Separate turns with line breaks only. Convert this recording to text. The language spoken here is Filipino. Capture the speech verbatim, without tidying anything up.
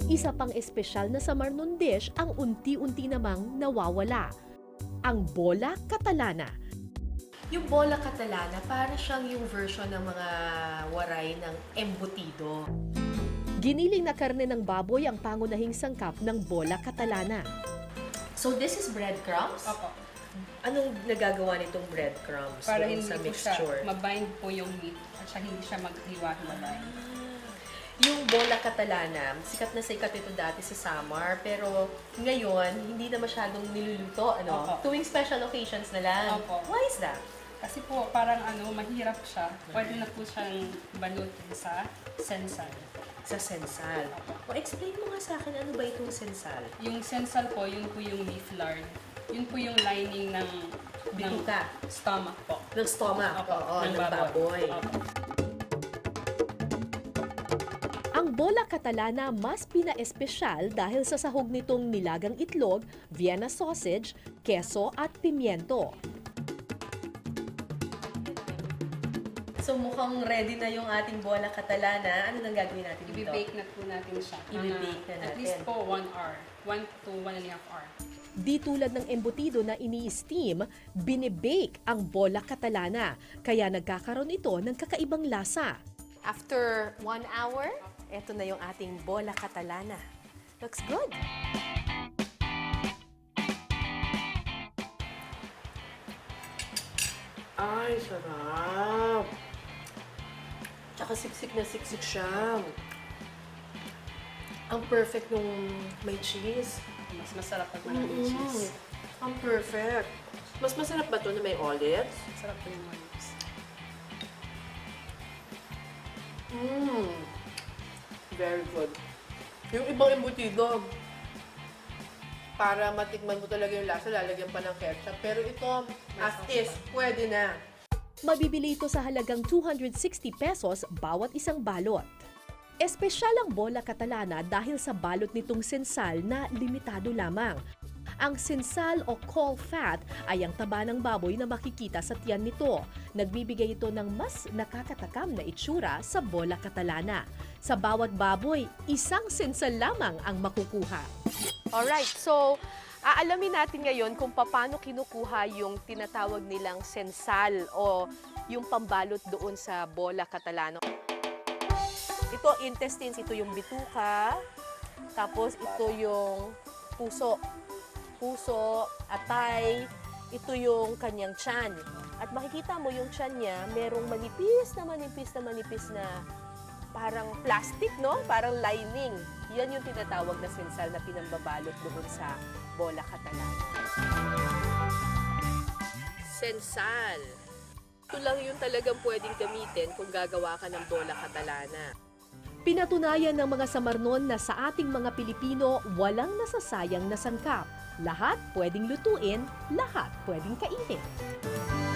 Isa pang espesyal na Samarnon dish ang unti-unti namang nawawala. Ang bola catalana.
Yung bola catalana, para siyang yung version ng mga waray ng embutido.
Giniling na karne ng baboy ang pangunahing sangkap ng bola catalana.
So this is breadcrumbs?
Opo.
Anong nagagawa nitong breadcrumbs
Para
doon
hindi
sa
po
mixture?
siya, mabind po yung meat at siya hindi siya maghiwa-hiwalay.
Yung bola catalana, sikat na sikat ito dati sa Samar, pero ngayon, hindi na masyadong niluluto, ano?
Opo.
Tuwing special occasions na lang.
Opo.
Why is that?
Kasi po, parang ano, mahirap siya. Pwede na po siyang balutin sa sensal.
Sa sensal. O, explain mo nga sa akin, ano ba itong sensal?
Yung sensal po, yun po yung beef lard. Yun po yung lining ng, ng
Bituka.
stomach po.
Ng stomach,
Opo,
oo,
ng
ng baboy.
Opo.
Ang bola catalana mas pinaespesyal dahil sa sahog nitong nilagang itlog, Vienna sausage, keso at pimiento.
So mukhang ready na yung ating bola catalana. Ano nang gagawin natin dito?
I-bake na po natin siya.
I-bake na
At
natin.
least po one hour. One to one and a half hour.
Di tulad ng embutido na ini-steam, binibake ang bola catalana, kaya nagkakaroon ito ng kakaibang lasa.
After one hour, eto na yung ating bola catalana. Looks good. Ay, sarap. Tsaka siksik na siksik siya. Ang perfect nung may cheese.
Mas masarap pag maraming cheese.
Ang perfect. Mas masarap ba ito na may olives?
Masarap po yung olives.
Mmm. Very good. Yung ibang embutido, para matikman mo talaga yung lasa, lalagyan pa ng ketchup. Pero ito, as is, pwede na.
Mabibili ito sa halagang two hundred sixty pesos bawat isang balot. Espesyal ang bola catalana dahil sa balot nitong sensal na limitado lamang. Ang sensal o caul fat ay ang taba ng baboy na makikita sa tiyan nito. Nagbibigay ito ng mas nakakatakam na itsura sa bola catalana. Sa bawat baboy, isang sensal lamang ang makukuha.
Alright, so aalamin natin ngayon kung paano kinukuha yung tinatawag nilang sensal o yung pambalot doon sa bola catalano. Ito intestines, ito yung bituka, tapos ito yung puso. Puso, atay, ito yung kanyang tiyan. At makikita mo yung tiyan niya, merong manipis na manipis na manipis na parang plastic, no? Parang lining. Yan yung tinatawag na sensal na pinambabalot doon sa bola catalana. Sensal. Ito lang yung talagang pwedeng gamitin kung gagawa ka ng bola catalana.
Pinatunayan ng mga Samarnon na sa ating mga Pilipino, walang nasasayang na sangkap. Lahat pwedeng lutuin, lahat pwedeng kainin.